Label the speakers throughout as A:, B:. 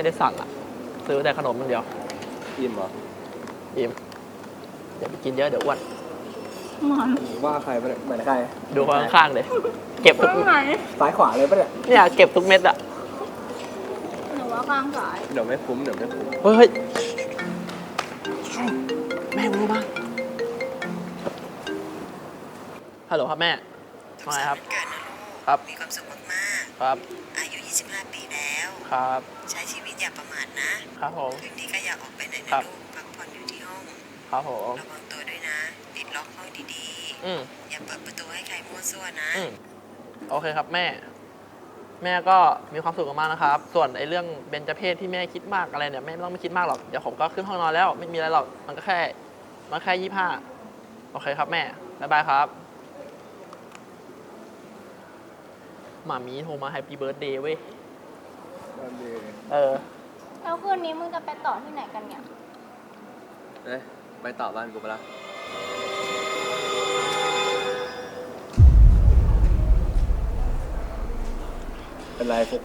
A: ไม่ได้สั่งอ่ะซื้อแต่ขนมมันเดียว
B: อิ่มเหรอ
A: อิ่มอย่าไปกินเยอะเดี๋ยวอ้วน
B: ว่าใครไปเหมือนใคร
A: ดูข้างๆเลยเก็บทุก
B: ซ้ายขวาเลยปะ
A: เนี่ยเก็บทุกเม็ดอะ
C: หนูว่าข้างซ้าย
B: เดี๋ยวไม่คุ้ม
A: เฮ้ยแม่รู้มั้งฮัลโหลครับแม่มาไงครับครับ
D: มีความสุขมาก
A: ๆครับ
D: อายุ25 ปีแล้ว
A: ครับ
D: ใช้ชีวิตอย่าประมาทนะครับ
A: ผม
D: คืนนี้ก็อย่าออกไปไหนนะลูกพักผ่อนอยู่ที่ห้อง
A: ครับผม
D: ระวังตัวด้วยนะปิดล็อกห้องดีๆอย่าเปิดประตูให้ใครมั่วซั่วนะ
A: โอเคครับแม่ก็มีความสุขมากนะครับส่วนไอ้เรื่องเบญจเพศที่แม่คิดมากอะไรเนี่ยแม่ไม่ต้องไม่คิดมากหรอกเดี๋ยวผมก็ขึ้นห้องนอนแล้วไม่มีอะไรหรอกมันแค่25โอเคครับแม่บ๊ายบายครับหมามีโทรมาแฮปปี้เบิร์ธเดย์เว้ย
C: แล้วคืนนี้มึงจะไปต่อที่ไหนกันเนี่ย
B: ไปต่อบ้านกูไปละเป็นไรฟุก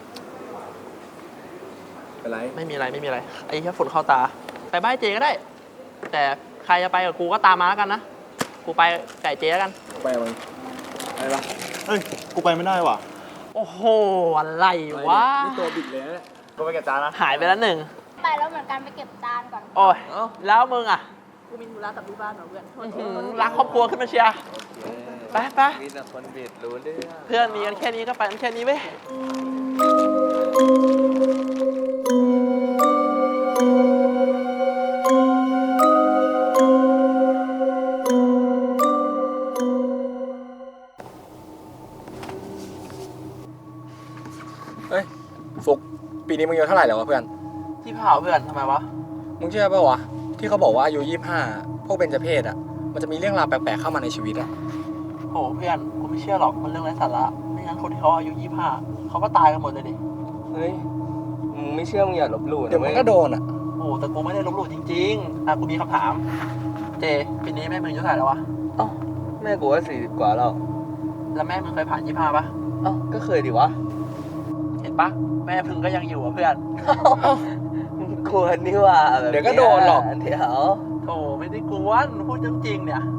B: เป็นไร
A: ไม่มีอะไรไอ้แค่ฝุ่นเข้าตาไปบ้านเจก็ได้แต่ใครจะไปกับกูก็ตามมาแล้วกันนะกูไปไก่เจแล้วกัน
B: ไปมึงไปปะ
E: เฮ้ยกูไปไม่ได้ว่ะ
A: โอ้โหอะไรวะ
B: นี่ตัวบิดเลยนะกูไปเก็บจานนะ
A: หายไปแล้ว1
C: ไปแล้วเหมือนกันไปเก็บจานก่อน
A: โอ้ยแล้วมึงอ่ะ
C: กูมีธุระกับที่บ้านเหรอเพื่อน
A: รักครอบครัวขึ้นมาเชียร์ไป
B: มีแต่คนบิดรู้เรื่อง
A: เพื่อนมีกันแค่นี้ก็ไปกันแค่นี้เว้ย
B: ฟุกปีนี้มึงอายุเท่าไหร่แล้ววะเพื่อน
A: ที่เผาเพื่อนทำไมวะ
B: มึงเชื่อป่ะวะที่เขาบอกว่าอายุ25พวกเบญจเพศอ่ะมันจะมีเรื่องราวแปลกๆเข้ามาในชีวิตอ่ะ
A: โหเพื่อนกูไม่เชื่อหรอกมันเรื่องไร้สาระไม่งั้นคนที่เขาอายุ25เขาก็ตายกันหมดเลยดิ
B: เฮ้ยมึงไม่เชื่อมึงอย่าลบหลู่เดี๋ยวมึงก็โดนอ่ะ
A: โอ้แต่กูไม่ได้ลบหลู่จริงๆกูมีคำถามเจปีนี้แม่มึงอายุเท่าไหร่แล้ววะ
B: แม่กูว่า40 กว่าแล้ว
A: แม่มึงเคยผ่าน25ป่ะ
B: ก็เคยดิวะ
A: เห็นปะแม่พึ่งก็ยังอยู่อ่ะเพื่อน
B: กวนนี่ว่าเดี๋ยวก็โดนหรอกเดี๋ยว
A: โธ่ไม่ได้กวนพูดจริงๆเนี่ย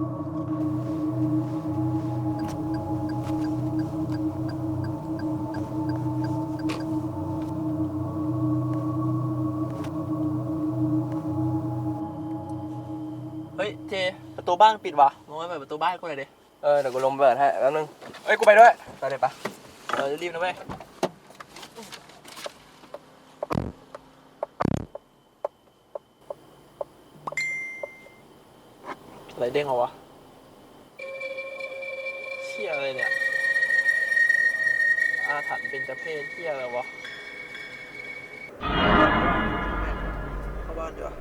A: เฮ้ยเจประตูบ้านปิดวะมึงไปเปิดประตูบ้านกูหน่อยดิ
B: เดี๋ยวกูลงเปิดให้แป๊บนึงกูไปด้วยไปเลยปะ
A: รีบนะเว้ยอะไรเด้งเหรอวะเชี่ยอะไรเนี่ยอาถรรพ์เป็นเจ้าเพศเชี่ยอะไรวะเข้าบ้านดีกว่า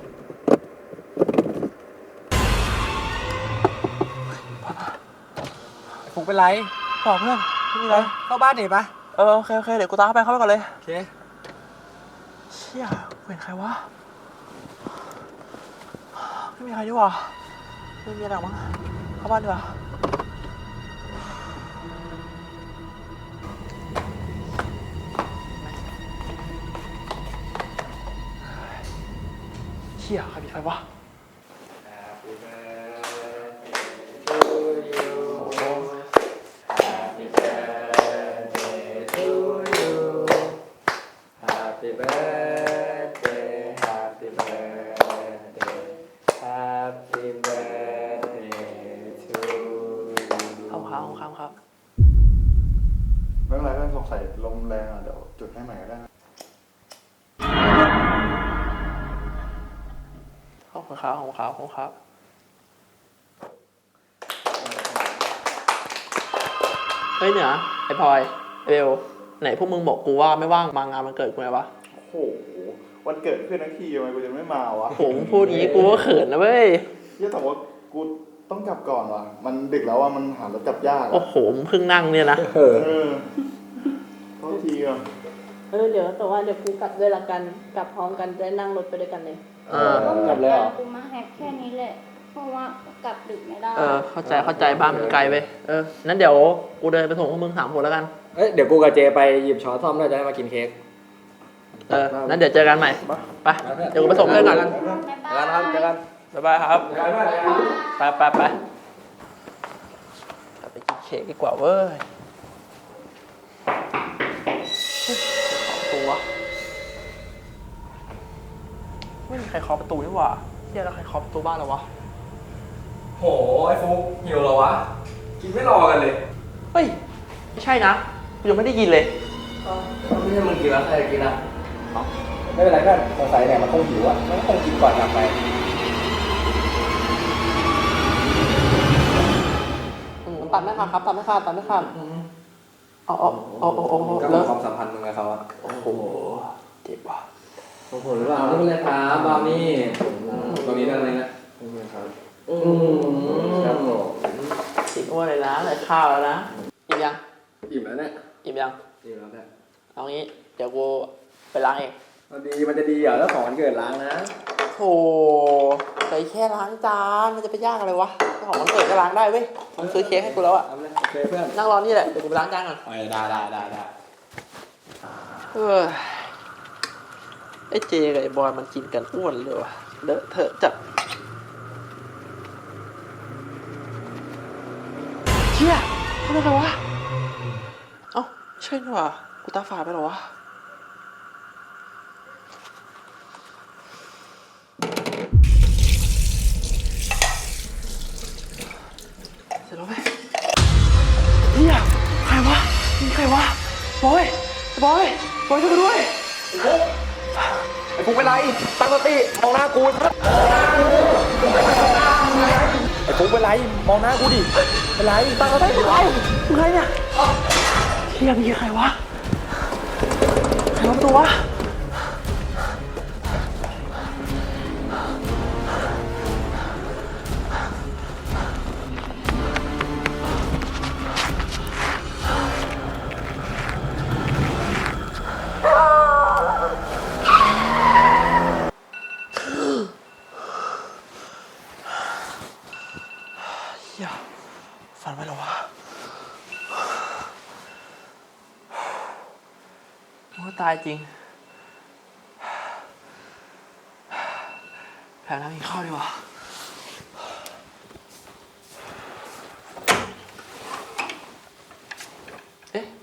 B: ฟุกเป็นไร
A: บอกเพื่อนไม่มีอะไร
B: เข้าบ้านดิปะ
A: โอเคเดี๋ยวกูตามเข้าไปก่อนเลย
B: โอเค
A: เชี่ยเป็นใครวะไม่มีใครดีกว่าไม่มีอะไรมั้งเข้าบ้านดีกว่าเชี่ยใครมีไฟวะครับ
E: ไม่เป็นไรเพื่อนสงสัยลมแรงอ่ะเดี๋ยวจุดให้ใหม่ก็ได้
A: ขอบคุณครับเฮ้ยเนี่ยไอพลอยไอเบลไหนพวกมึงบอกกูว่าไม่ว่างมางานมันเกิดกูไงวะ
E: โอ้โหวันเกิดเพื่อนทั้งทีทำไมกูจะไม่มาวะ
A: โหพูดงี้กูก็เขินนะเว้ย
E: แต่ว่ากูต้องกลับก่อนว่ะมันดึกแล้วว่ามันหารถกลับยาก
A: โอ้โหมึงเพิ่งนั่งเนี่ยนะ
E: โทษทีอ่ะ
C: เดี๋ยวแต่ว่าเดี๋ยวกูกลับด้วยละกันกลับพร้อมกันจะนั่งรถไปด้วยกันเลย
A: กลับเลยเหรอ
C: กูมาแฮปแค่นี้แหละเพราะว่ากลับดึกไม่ได้
A: เข้าใจบ้านมันไกลไปนั้นเดี๋ยวกูเดินไปส่งพวกมึง3 คนแล้วกัน
B: เดี๋ยวกูกับเจไปหยิบช้อนซ่อมแล้วจะได้มากินเค้ก
A: นั้นเดี๋ยวเจอกันใหม่ ไป เดี๋ยวกูไปส่งเพื่อนก่อน
B: เจอกันครับเจอกัน
A: บ๊ายบายครับ
B: เจอกันด้วย
A: ไปไปกินเค้กดีกว่าเว้ยตัวไม่มีใครเคาะประตูนี่หว่าเฮียแล้วใครเคาะประตูบ้านเราวะ
B: โหไอ้ฟุกหิวเหรอวะ กินไม่รอกันเลย
A: เฮ้ย ไม่ใช่นะกูยังไม่ได้ยินเลย
B: ไม่ใช่มึงกินแล้วใครจะกินอ่ะไม่เป็นไรเพื่อนสงสัยเนี่ยมันคงหิวอ่ะมันก็คงกินก่อนกลับไป
A: ตัดไม่ขาดครับตัดไม่ขาดตัดไม่ขาดเอา
B: ก็
A: เลิก
B: ความสัมพันธ์มึงกับเขาอ่ะ
A: โอ้โหเจ็บว่ะ
B: โอ้โหหรือเปล่าไม่เป็นไรครับบาวนี่ตรงนี้ได้อะไรนะครับผม
A: ติดอ้วนเลยนะเลยข้าวแล้วนะอิ่มยัง
B: อิ่มแล้วเนี่ย
A: อิ่มยัง
B: อิ่มแล้วเนี่ย
A: เอางี้เดี๋ยวกูไปล้างเอง
B: มันจะดีเหรอแล้วของวันเกิดล้างนะ
A: โธ่แต่แค่ล้างจานมันจะไปยากอะไรวะเจ้าของวันเกิดก็ล้างได้เว้ยมันซื้อเค้กให้กูแล้วอะ
B: เอาเลยโอเคเพื่อน
A: นั่งรอนี่แหละเดี๋ยวกูไปล้างจานก่อน
B: ได้
A: เออไอ้เจกับไอ้บอยมันกินกันอ้วนเลยวะเลอะเทอะจัดเชี่ยทำไมวะเอ้าใช่นี่หว่ากูตาฝาดไปเหรอวะเสร็จแล้วไหมเฮียใครวะมึงใครวะบอยช่วยกูด้วย
B: ไอ้ฟุกเป็นไรตั้งสติมองหน้ากูไอ้ฟุกเป็นไรมองหน้ากูดิเป็นไรตั้งสติ
A: ใครมึงใครเนี่ยเฮียมีใครวะใครวะประตูวะเฮียฝันไปแล้ววะโอ้ตายจริงแผลน้ำกินข้าวดีกว่าเอ๊ะ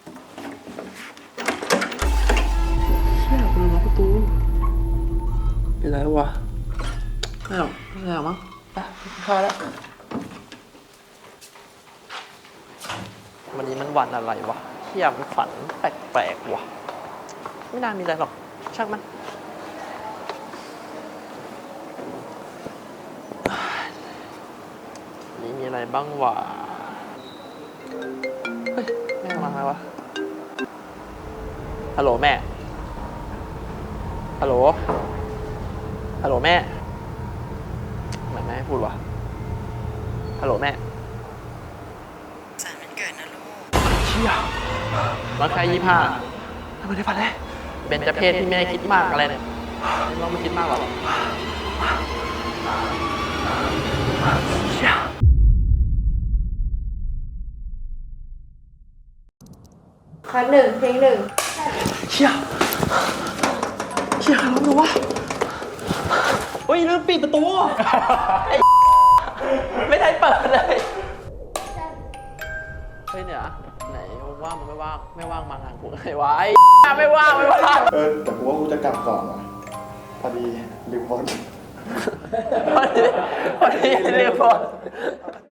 A: เชี่ยกูลืมล็อกประตูเป็นไรวะไม่หรอกมั้งไปกินข้าวแล้ววันนี้มันวันอะไรวะเที่ยมันฝันแปลกๆวะไม่น่ามีอะไรหรอกช่างมันนี่มีอะไรบ้างวะเฮ้ยแม่มาไงวะฮัลโหลแม่ฮัลโหลแม่ทำไมแม่ให้พูดวะฮัลโหลแม่
D: สารมันเกิดนะลูก
A: เชี่ยมันแค่25ทำไมได้ฝันเลยเบญจเพศที่แม่คิดมากอะไรเนี่ยไม่ต้องไม่คิดมากหรอกเชี่ย
C: คัดหนึ่งเพลงหนึ่ง
A: เชี่ยใครร้องดูวะเฮ้ยลืมปิดประตูไอ้ไม่ได้เปิดเลยเฮ้ยเนี่ยไหนว่างมันไม่ว่างมางานกูไงวะไอ้ไม่ว่าง
E: แต่กูว่ากูจะกลับก่อนว่ะพอดีลืมบอล
A: พอดีเรียกบอล